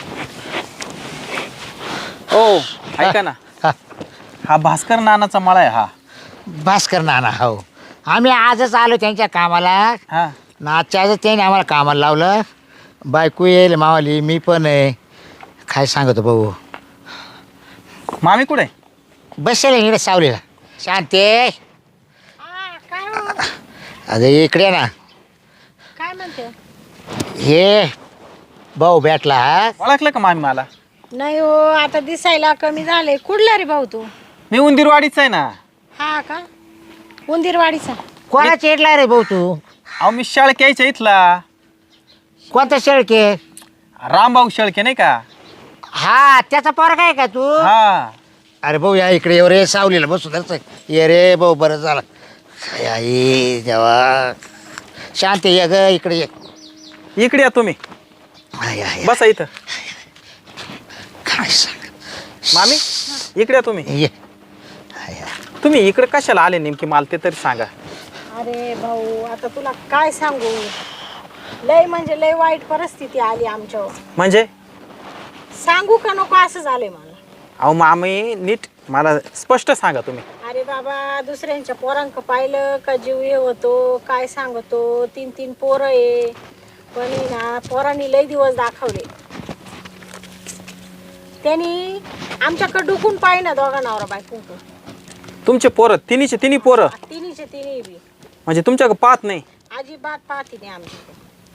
[SPEAKER 5] हो ऐका ना,
[SPEAKER 3] हा.
[SPEAKER 5] हा भास्कर नानाचा मळा आहे हा.
[SPEAKER 3] भास्कर नाना हो. आम्ही आजच आलो त्यांच्या कामाला.
[SPEAKER 5] हा
[SPEAKER 3] नाच्या आजच त्याने आम्हाला कामाला लावलं. बायको येईल मावाली, मी पण आहे. काय सांगतो भाऊ.
[SPEAKER 5] मामी कुठे?
[SPEAKER 3] बसेल इकडे सावलीला. शांते
[SPEAKER 4] हा, काय हो?
[SPEAKER 3] अरे इकडे ना.
[SPEAKER 4] काय म्हणते?
[SPEAKER 3] हे भाऊ भेटला. हा
[SPEAKER 5] ओळखलं का मामी मला?
[SPEAKER 4] नाही हो, आता दिसायला कमी झाले. कुठला रे भाऊ तू?
[SPEAKER 5] मी उंदीरवाडीचा आहे ना.
[SPEAKER 4] हा का, उंदीरवाडीचा.
[SPEAKER 3] कोणा चिडला रे भाऊ तू?
[SPEAKER 5] अहो मी शेळक्याच्या इथला
[SPEAKER 3] कोणता शेळके?
[SPEAKER 5] रामभाऊ शेळके नाही का?
[SPEAKER 3] हा त्याचा पोरगा आहे का तू?
[SPEAKER 5] हा.
[SPEAKER 3] अरे भाऊ या इकडे ये रे, सावलीला बसू दरच ये रे भाऊ, बरं झालं. काय आई देवा, शांत ये ग, इकडे ये.
[SPEAKER 5] इकडे या तुम्ही,
[SPEAKER 3] आय, आय,
[SPEAKER 5] बसा इथं.
[SPEAKER 3] काय सांग
[SPEAKER 5] मामी इकडे या तुम्ही.
[SPEAKER 3] ये. आय, आय.
[SPEAKER 5] तुम्ही इकडे कशाला आले नेमकी मला ते तरी सांगा.
[SPEAKER 4] अरे भाऊ, आता तुला काय सांगू, लय म्हणजे लय वाईट परिस्थिती आली आमच्यावर.
[SPEAKER 5] म्हणजे
[SPEAKER 4] सांगू का नको असं झालंय मला.
[SPEAKER 5] अहो मामी नीट मला स्पष्ट सांगा तुम्ही.
[SPEAKER 4] अरे बाबा, दुसऱ्यांच्या पोरांक पाहिलं का जीव हे होतो, काय सांगतो. तीन तीन पोरं आहे, पण आहे ना पोरांनी लय दिवस दाखवले. त्यांनी आमच्याकडे डुकून पाहिना दोघा नवरा बायको.
[SPEAKER 5] तुमचे पोरं तिन्हीचे तिन्ही पोरं
[SPEAKER 4] तिन्हीचे तिन्ही बी
[SPEAKER 5] म्हणजे तुमच्याकडे पाहत नाही?
[SPEAKER 4] अजिबात पाहती नाही आमच्याकडे.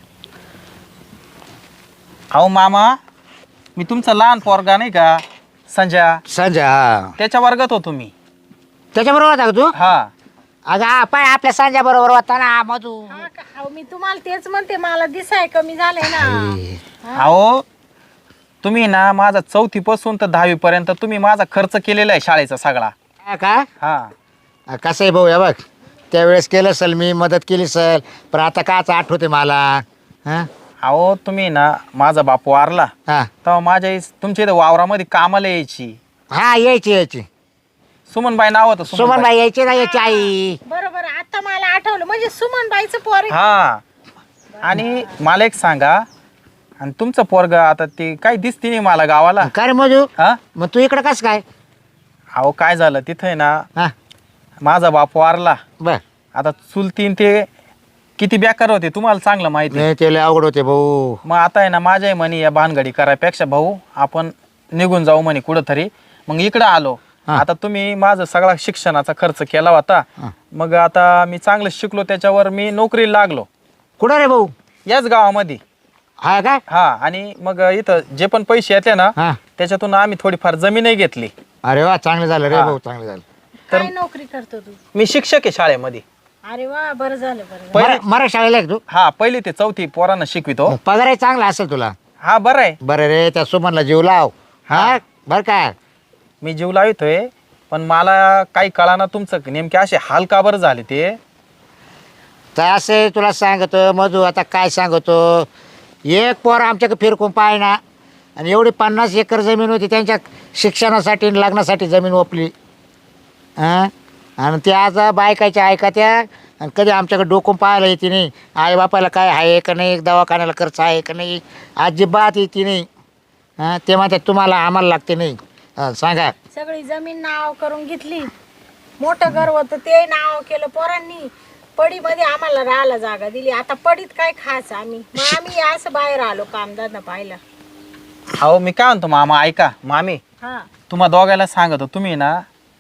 [SPEAKER 5] अहो मामा, मी तुमचा लहान पोरगा नाही का संजय,
[SPEAKER 3] संजय, हा
[SPEAKER 5] त्याच्या वर्गात होतो मी.
[SPEAKER 3] त्याच्याबरोबर होता का तू?
[SPEAKER 5] हा.
[SPEAKER 3] अगं हा पाय आपल्या संजय बरोबर होता ना मधू.
[SPEAKER 4] हा का? अहो, मी तुम्हाला तेच म्हणते, मला दिसाय कमी झालंय ना.
[SPEAKER 5] अहो तुम्ही ना माझा चौथी पासून तर दहावी पर्यंत तुम्ही माझा खर्च केलेला आहे शाळेचा सगळा.
[SPEAKER 3] हा का?
[SPEAKER 5] हा.
[SPEAKER 3] कसं आहे भाऊ, या बघ त्यावेळेस केलं सल, मी मदत केली सल, पण आता काच आठवते मला. हा
[SPEAKER 5] अहो तुम्ही ना माझा बाप वारला
[SPEAKER 3] हा
[SPEAKER 5] तेव्हा माझ्या आई तुमच्या इथं वावरामध्ये कामाला यायची.
[SPEAKER 3] हा यायची यायची
[SPEAKER 5] सुमनबाई नाव होतं.
[SPEAKER 3] सुमनबाई यायची ना, यायची आई.
[SPEAKER 4] बरोबर, आता मला आठवलं, म्हणजे सुमनबाईचं पोर आहे.
[SPEAKER 5] हा. आणि मला एक सांगा, आणि तुमचं पोरग आता ते काही दिसते नाही मला गावाला.
[SPEAKER 3] काय रे मधू,
[SPEAKER 5] हा.
[SPEAKER 3] मग तू इकडं कसं काय?
[SPEAKER 5] अहो काय झालं तिथे ना,
[SPEAKER 3] हा
[SPEAKER 5] माझा बाप वारला.
[SPEAKER 3] बर,
[SPEAKER 5] आता चुलतीन ते किती बेकार होते तुम्हाला चांगलं माहिती आहे.
[SPEAKER 3] नाही ते लय अवघड होते भाऊ.
[SPEAKER 5] मग आता आहे ना माझ्याही म्हणे या भानगडी करायपेक्षा भाऊ आपण निघून जाऊ म्हणे कुठंतरी. मग इकडं आलो.
[SPEAKER 3] हा.
[SPEAKER 5] आता तुम्ही माझा सगळा शिक्षणाचा खर्च केला होता.
[SPEAKER 3] हा.
[SPEAKER 5] मग आता मी चांगलं शिकलो, त्याच्यावर मी नोकरीला लागलो
[SPEAKER 3] कुठं रे भाऊ?
[SPEAKER 5] याच गावामध्ये.
[SPEAKER 3] हा काय?
[SPEAKER 5] हा. आणि मग इथं जे पण पैसे येते ना
[SPEAKER 3] हा.
[SPEAKER 5] त्याच्यातून आम्ही थोडीफार जमीनही घेतली.
[SPEAKER 3] अरे वा, चांगलं झालं रे
[SPEAKER 5] हा.
[SPEAKER 3] भाऊ, चांगलं झालं.
[SPEAKER 4] काय नोकरी करतो तू?
[SPEAKER 5] मी शिक्षक आहे शाळेमध्ये.
[SPEAKER 4] अरे वा, बरं झालं बरं झालं.
[SPEAKER 5] पहिले-
[SPEAKER 3] मरा- मराठी शाळेला आहे का तू?
[SPEAKER 5] हा, पहिली ते चौथी पोरांना शिकवितो.
[SPEAKER 3] मग पगारही चांगला असेल तुला.
[SPEAKER 5] हा बरं आहे.
[SPEAKER 3] बरं रे, त्या सुमनला जीव लाव. हा बरं काय?
[SPEAKER 5] मी जीव लावितोय, पण मला काही कळाना तुमचं नेमके असे हाल का बरं झाले ते.
[SPEAKER 3] तर असे तुला सांगतो मधू, आता काय सांगतो, एक पोर आमच्याकडे फिरकून पाय ना, आणि एवढी पन्नास एकर जमीन होती त्यांच्या शिक्षणासाठी आणि लग्नासाठी जमीन ओपली. हां, आणि ते आज बायकाच्या ऐकात्या, आणि कधी आमच्याकडे डोकून पाहायला येते नाही. आई बापाला काय आहे का नाही, दवाखान्याला खर्च आहे का नाही, अजिबात येते नाही. हां, ते म्हणतात तुम्हाला आम्हाला लागते नाही. हां सांगा.
[SPEAKER 4] सगळी जमीन नाव करून घेतली, मोठं घर होतं ते नाव केलं पोरांनी. पडीमध्ये आम्हाला राहायला जागा दिली. आता पडीत काय खायचं आम्ही, मग आम्ही असं बाहेर आलो कामधंदा पाहिला.
[SPEAKER 5] अहो मी काय म्हणतो मामा, ऐका मामी,
[SPEAKER 4] हा,
[SPEAKER 5] तुम्हा दोघायला सांगतो, तुम्ही ना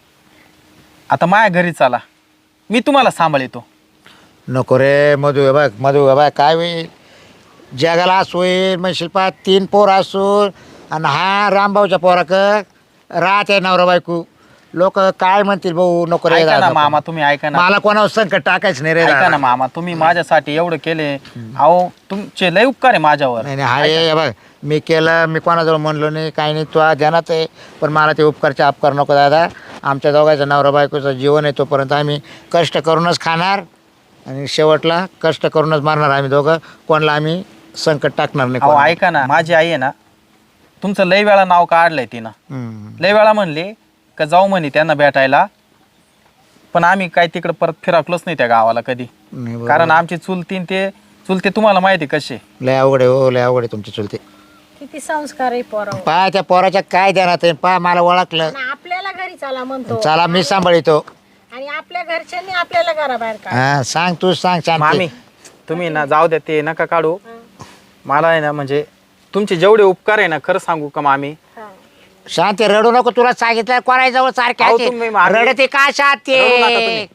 [SPEAKER 5] आता माझ्या घरी चला, मी तुम्हाला सांभाळतो.
[SPEAKER 3] नको रे मधू, हे बघ मधू, हे बघ काय होईल, जगाला असं होईल. मग शिल्पा तीन पोर असून, आणि हा रामभाऊच्या पोराक राहते नवरा बायको, लोक काय म्हणतील भाऊ. नको रे
[SPEAKER 5] ऐका ना
[SPEAKER 3] दादा,
[SPEAKER 5] मामा, तुम्ही ऐका ना.
[SPEAKER 3] मला कोणावर संकट टाकायचं नाही रे
[SPEAKER 5] ऐका
[SPEAKER 3] दादा.
[SPEAKER 5] ना मामा, तुम्ही माझ्यासाठी एवढं केले. अहो तुमचे लय उपकार आहे माझ्यावर.
[SPEAKER 3] नाही नाही, हाय हे बघ, मी केलं, मी कोणाजवळ म्हणलो नाही, काही नाही, तो ध्यानात आहे. पण मला ते उपकारचे अपकार नको दादा. आमच्या दोघांचं नवरा बायकोचं जीवन आहे, तोपर्यंत आम्ही कष्ट करूनच खाणार, आणि शेवटला कष्ट करूनच मारणार आम्ही दोघं. कोणाला आम्ही संकट टाकणार नाही
[SPEAKER 5] अहो
[SPEAKER 3] कोणाला.
[SPEAKER 5] ऐका ना, माझी आई आहे ना, तुमचं लय वेळा नाव काढलंय तिनं.
[SPEAKER 3] हम्म.
[SPEAKER 5] लय वेळा म्हणले का जाऊ म्हणे त्यांना भेटायला, पण आम्ही काय तिकडं परत फिरकलोच नाही त्या गावाला कधी.
[SPEAKER 3] नाही बरोबर.
[SPEAKER 5] कारण आमची चुलतीन ते चुलते तुम्हाला माहिती कसे.
[SPEAKER 3] लय अवघड आहे हो, लय अवघड आहे तुमची चुलते.
[SPEAKER 4] किती संस्कार आहे पोरावर.
[SPEAKER 3] पा त्या पोराच्या काय ध्यानात आहे, पा मला ओळखलं.
[SPEAKER 4] आणि आपल्याला घरी चला म्हणतो,
[SPEAKER 3] चला मी सांभाळतो.
[SPEAKER 4] आणि आपल्या घरच्यांनी आपल्याला घराबाहेर काढ.
[SPEAKER 3] हा सांग, तू सांग शांती.
[SPEAKER 5] मामी तुम्ही ना जाऊ द्या, ते नका काढू. मला आहे ना, म्हणजे तुमचे जेवढे उपकार आहे ना, खरं सांगू का मामी,
[SPEAKER 3] शांती रडू नको, तुला सांगितलं कोणाजवळ सारखे
[SPEAKER 5] अहो,
[SPEAKER 3] आहे
[SPEAKER 5] तुम्ही
[SPEAKER 3] ते.
[SPEAKER 5] मागे-
[SPEAKER 3] रडते का शांती?
[SPEAKER 5] रडू नका तुम्ही.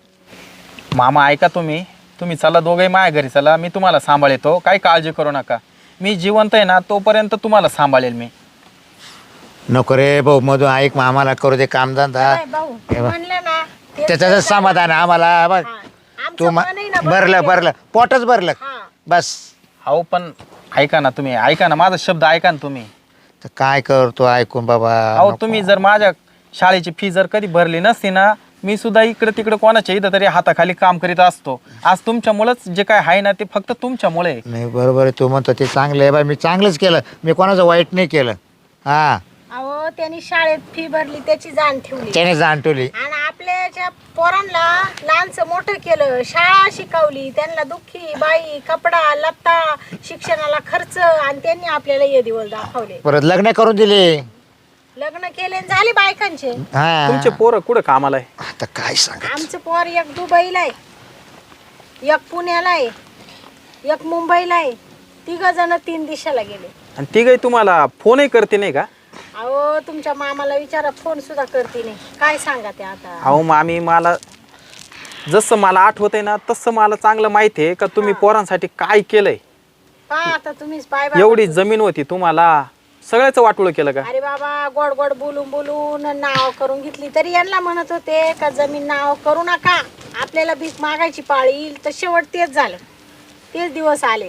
[SPEAKER 5] मामा ऐका तुम्ही तुम्ही चला दोघे माझ्या घरी चला, मी तुम्हाला सांभाळतो, काही काळजी करू नका. मी जिवंत आहे ना तोपर्यंत तुम्हाला सांभाळेल मी.
[SPEAKER 3] नको रे भाऊ मधून ऐक मग आम्हाला करू दे कामधंदा
[SPEAKER 4] काय भाऊ म्हणलं ना ते
[SPEAKER 3] त्याचं समाधान आहे आम्हाला बघ
[SPEAKER 4] हा. आमचं
[SPEAKER 3] तू म-
[SPEAKER 4] मन आहे ना,
[SPEAKER 3] भरलं भरलं पोटच भरलं
[SPEAKER 4] हा.
[SPEAKER 3] बस.
[SPEAKER 5] अहो पण ऐका ना तुम्ही, ऐका ना माझा शब्द ऐका ना तुम्ही.
[SPEAKER 3] तर काय करतो ऐकून बाबा.
[SPEAKER 5] अहो
[SPEAKER 3] नको.
[SPEAKER 5] तुम्ही जर माझ्या शाळेची फी जर कधी भरली नसती ना, मी सुद्धा इकडे तिकडे कोणाच्या इथं तरी हाताखाली काम करीत असतो. आज तुमच्यामुळेच जे काय आहे ना ते फक्त तुमच्यामुळे आहे.
[SPEAKER 3] नाही बरोबर आहे तू म्हणतो ते चांगलं आहे बाय. मी चांगलंच केलं, मी कोणाचं वाईट नाही केलं. हा
[SPEAKER 4] अहो त्यांनी शाळेत फी भरली त्याची जाण ठेवली
[SPEAKER 3] त्याने जाणटवली.
[SPEAKER 4] आणि आपल्याच्या पोरांना लहानचं मोठं केलं, शाळा शिकवली, त्यांना दुःखी बाई कपडा लत्ता शिक्षणाला खर्च, आणि त्यांनी आपल्याला हे दिवस दाखवले.
[SPEAKER 3] परत लग्न करून दिले.
[SPEAKER 4] लग्न केले आणि झाले बायकांचे.
[SPEAKER 3] हा
[SPEAKER 5] तुमचे पोरं कुठं कामाला आहे?
[SPEAKER 3] आता काय सांग.
[SPEAKER 4] आमचं पोर एक दुबईला आहे, एक पुण्याला आहे, एक मुंबईला आहे. तिघ जण तीन दिशाला गेले.
[SPEAKER 5] आणि ती काही तुम्हाला फोनही करते नाही का?
[SPEAKER 4] अहो तुमच्या मामाला विचारा, फोन सुद्धा करते नाही. काय सांगा ते आता.
[SPEAKER 5] अहो मामी मला जसं मला आठवत आहे ना तसं मला चांगलं माहिती आहे का तुम्ही पोरांसाठी काय केलंय.
[SPEAKER 4] पहा आता तुम्हीच पाय बाबा.
[SPEAKER 5] एवढी जमीन होती तुम्हाला, सगळ्याच वाटोळं केलं का?
[SPEAKER 4] अरे बाबा गोड गोड बोलून बोलून नाव करून घेतली. तरी यांना म्हणत होते का जमीन नाव करू नका, आपल्याला भीक मागायची पाळी येईल. तर शेवट तेच झालं, तेच दिवस आले.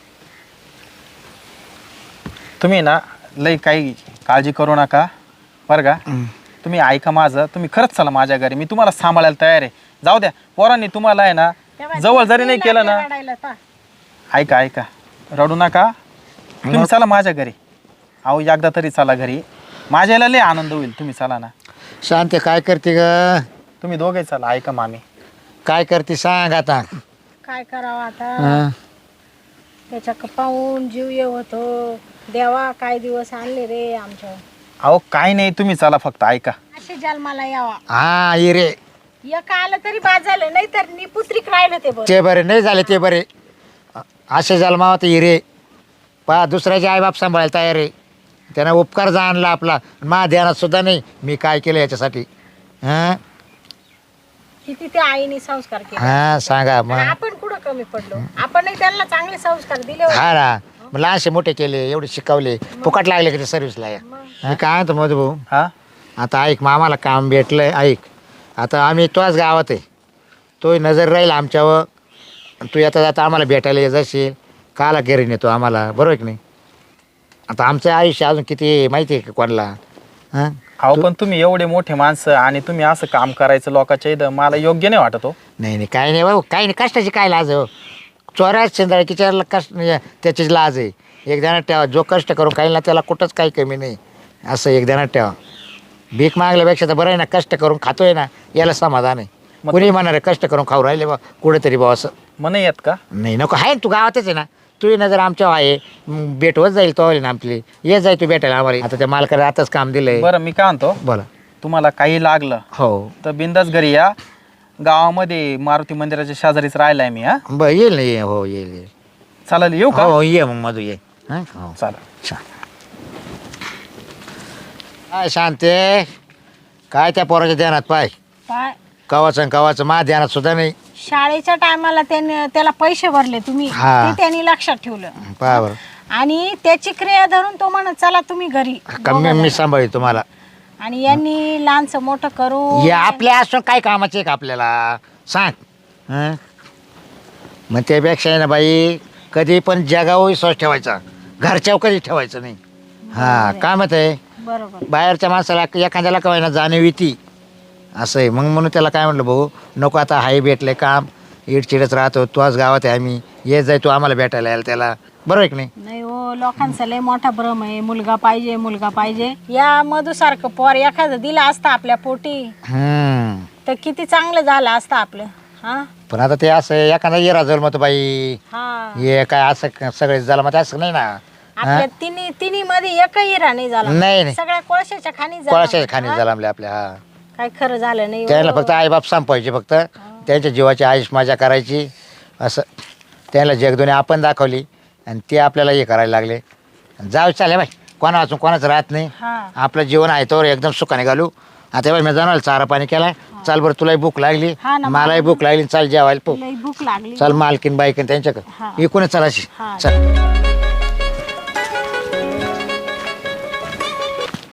[SPEAKER 5] तुम्ही ना लई काही काळजी करू नका बरं का. तुम्ही ऐका माझं, तुम्ही खरंच चला माझ्या घरी, मी तुम्हाला सांभाळायला तयार आहे. जाऊ द्या पोरांनी तुम्हाला आहे ना
[SPEAKER 4] तेव्हा
[SPEAKER 5] जवळ
[SPEAKER 4] तेच
[SPEAKER 5] जरी नाही केलं ना,
[SPEAKER 4] लागलं रडायला पहा.
[SPEAKER 5] ऐका ऐका रडू नका. तुम्ही चला माझ्या घरी. अहो एकदा तरी चला घरी, माझ्याला लय आनंद होईल. तुम्ही चला ना.
[SPEAKER 3] शांत काय करते ग.
[SPEAKER 5] तुम्ही दोघे चला. ऐका मामी
[SPEAKER 3] काय करते सांग आता.
[SPEAKER 4] काय करावं आता.
[SPEAKER 3] हा.
[SPEAKER 4] त्याच्या पाहून जीव येत होतो. देवा काय दिवस आणले रे आमच्या.
[SPEAKER 5] अहो काय नाही, तुम्ही चला फक्त ऐका.
[SPEAKER 4] असे जन्माला यावा.
[SPEAKER 3] हा ये रे
[SPEAKER 4] एक आलं तरी बाद झालं, नाही तर निपुत्रिक राहिलं ते बरं.
[SPEAKER 3] ते बरे नाही झाले ते बरे. असे जन्मावा ते हिरे पा दुसऱ्याचे आईबाप सांभाळायला तयार आहे. त्यानं उपकार जाणला आपला. मा ध्यानात सुद्धा नाही मी काय केलं याच्यासाठी. हां
[SPEAKER 4] किती त्या आईने संस्कार केले.
[SPEAKER 3] हां सांगा
[SPEAKER 4] आणि
[SPEAKER 3] मग.
[SPEAKER 4] आपण कुठं कमी पडलो. आपणही त्यांना चांगले संस्कार दिले होते.
[SPEAKER 3] हा ना मग लहानसे मोठे केले, एवढे शिकवले, फुकट लागले की ते सर्व्हिसला या. मी काय म्हणतो मधू भाऊ,
[SPEAKER 5] हा
[SPEAKER 3] आता ऐक मग आम्हाला काम भेटलंय. ऐक आता आम्ही तोच गावात आहे, तोही नजर राहील आमच्यावर. तू येता जाता आम्हाला भेटायला येत जाशील, काला घरी नेतो आम्हाला, बरोबर की नाही. आता आमचं आयुष्य अजून किती माहिती आहे का कोणाला. हां
[SPEAKER 5] अहो पण तुम्ही एवढे मोठे माणसं आणि तुम्ही असं काम करायचं लोकांच्या इथं मला योग्य नाही वाटत हो.
[SPEAKER 3] नाही नाही काही नाही भाऊ, काही नाही. कष्टाची काय लाज हो. चोऱ्याच शेंदळकीच्या कष्ट त्याचीच लाज आहे. एक ध्यानात ठेवा, जो कष्ट करून काही ना त्याला कुठंच काही कमी नाही, असं एक ध्यानात ठेवा. भीक मागल्यापेक्षा तर बरं आहे ना, कष्ट करून खातोय ना याला समाधान आहे. कुणी म्हणणार आहे कष्ट करून खाऊ राहिले बा कुठेतरी बा असं
[SPEAKER 5] म्हणे येत का?
[SPEAKER 3] नाही. नको आहे ना, तू गावातच आहे ना, तुझी नजर आमच्यावर आहे. मग भेट होत जाईल तो ना आपली. येत जाईल तू भेटायला आम्हाला. आता त्या मालकाला आताच काम दिलंय.
[SPEAKER 5] बरं मी काय म्हणतो,
[SPEAKER 3] बोला.
[SPEAKER 5] तुम्हाला काही लागलं
[SPEAKER 3] हो
[SPEAKER 5] तर बिंदास घरी या. गावामध्ये मारुती मंदिराच्या शेजारीच राहिलाय मी. हा
[SPEAKER 3] बरं येईल ना, ये हो येईल येईल.
[SPEAKER 5] चालेल येऊ का?
[SPEAKER 3] हो ये मग मधू ये. हां हो
[SPEAKER 5] चालेल.
[SPEAKER 3] छान. काय शांते काय त्या पोराच्या ध्यानात पाय
[SPEAKER 4] पाय
[SPEAKER 3] कवाचं कवाचं मा ध्यानात सुद्धा नाही.
[SPEAKER 4] शाळेच्या टायमाला त्याने त्याला पैसे भरले तुम्ही,
[SPEAKER 3] हा.
[SPEAKER 4] ते त्यांनी लक्षात ठेवलं.
[SPEAKER 3] पहा बरं
[SPEAKER 4] आणि त्याची क्रिया धरून तो म्हणत चला तुम्ही घरी.
[SPEAKER 3] कमी मी सांभाळी तुम्हाला.
[SPEAKER 4] आणि यांनी लहानचं मोठं करू.
[SPEAKER 3] हे आपल्या असून काय कामाचे का आपल्याला सांग. हं? मग त्यापेक्षा आहे ना बाई, कधी पण जगावर विश्वास ठेवायचा, घरच्यावर कधी ठेवायचं नाही. हा काय मत आहे.
[SPEAKER 4] बरोबर.
[SPEAKER 3] बाहेरच्या माणसाला एखाद्याला कवाय ना जाणीव येते असं आहे. मग म्हणून त्याला काय म्हटलं भाऊ नको आता हाय भेटले काम, इडचिडच राहतो, तू आज गावात आहे आम्ही, ये जाय तू आम्हाला भेटायला यायला त्याला, बरोबर आहे की नाही.
[SPEAKER 4] नाही हो, लोकांचा लय मोठा भ्रम आहे. मुलगा पाहिजे मुलगा पाहिजे. या मधुसारखं पोर एखादं दिलं असतं आपल्या पोटी
[SPEAKER 3] हम्म
[SPEAKER 4] तर किती चांगलं झालं असतं आपलं. हा
[SPEAKER 3] पण आता ते असं आहे, एखादा येरा जन्मत बाई
[SPEAKER 4] हा
[SPEAKER 3] हे काय असं सगळे झालं मग असं नाही ना.
[SPEAKER 4] आपल्या तिन्ही तिन्ही मध्ये एकही हिरा नाही झाला.
[SPEAKER 3] नाही नाही
[SPEAKER 4] सगळ्या कोळशाच्या खाणी
[SPEAKER 3] कोळाच्या खाणी झालं आपल्या आपल्या. हा
[SPEAKER 4] काय खरं झालं नाही हो.
[SPEAKER 3] त्याला फक्त आईबाप संपवायचे, फक्त त्यांच्या जीवाची आयुष मजा करायची असं. त्याला जगदुनी आपण दाखवली आणि ते आपल्याला हे करायला लागले. जाऊ चालेल बाई, कोणा वाचून कोणाचं राहत नाही.
[SPEAKER 4] हा
[SPEAKER 3] आपलं जीवन आहे तर एकदम सुखाने घालू. आता बाई मी जाणार चारा पाणी केला. चाल बरं, तुलाही भूक लागली,
[SPEAKER 4] हा ना,
[SPEAKER 3] मलाही भूक लागली, चाल जेवायला पो.
[SPEAKER 4] लई भूक लागली.
[SPEAKER 3] चल मालकीन बाईकीन त्यांच्याकडे
[SPEAKER 4] हा.
[SPEAKER 3] इकूनच चलाशी
[SPEAKER 4] हा.
[SPEAKER 3] चल.